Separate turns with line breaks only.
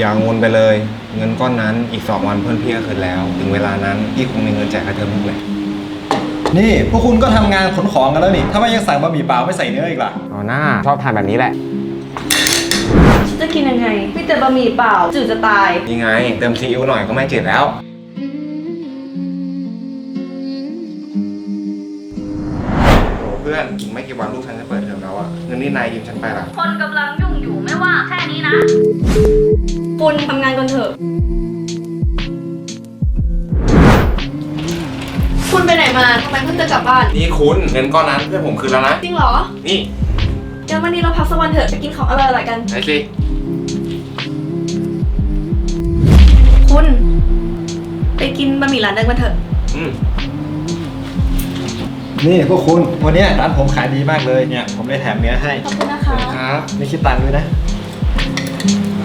อย่างงนไปเลย เงินก้อนนั้นอีก2 วันเพื่อนพี่ก็คืนแล้ว ถึงเวลานั้นพี่คงมีเงินจ่ายค่าเทอมลูกเลย
นี่พวกคุณก็ทำงานขนของกันแล้วนี่ทำไมยังสั่งบะหมี่เปล่าไม่ใส่เนื้ออีกล่ะ
เอาหน้าชอบทานแบบนี้แหละ
ฉันจะกินยังไงมีแต่บะหมี่เปล่าจืดจะตาย
นี่ไงเติมซีอิ๊วหน่อยก็ไม่จืดแล้วโอ้เพื่อนอีกไม่กี่วันลูกฉันจะเปิดเทอมแล้วอะเงินนี่นายยืมฉันไปละ
คนกำลังยุ่งอยู่ไม่ว่าแค่นี้นะคุณทำงานกันเถอะคุณไปไหนมาทำไมเพิ่งจะกลับบ้าน
นี่คุณเงินก้อนนั้นเพื่อนผมคืนแล้วนะ
จริงเหรอ
นี่
งั้นวันนี้เราพักสักวันเถอะไปกินของอร่อยๆกัน
ไหนสิ
คุณไปกินบะหมี่ร้านเดิมกันเถอะ
นี่พวกคุณวันนี้ร้านผมขายดีมากเลยเนี่ยผมเลยแถมเนื้อให้
ขอบคุณนะคะ
ครับ
ไม่คิดตังค์ด้วยนะ
ค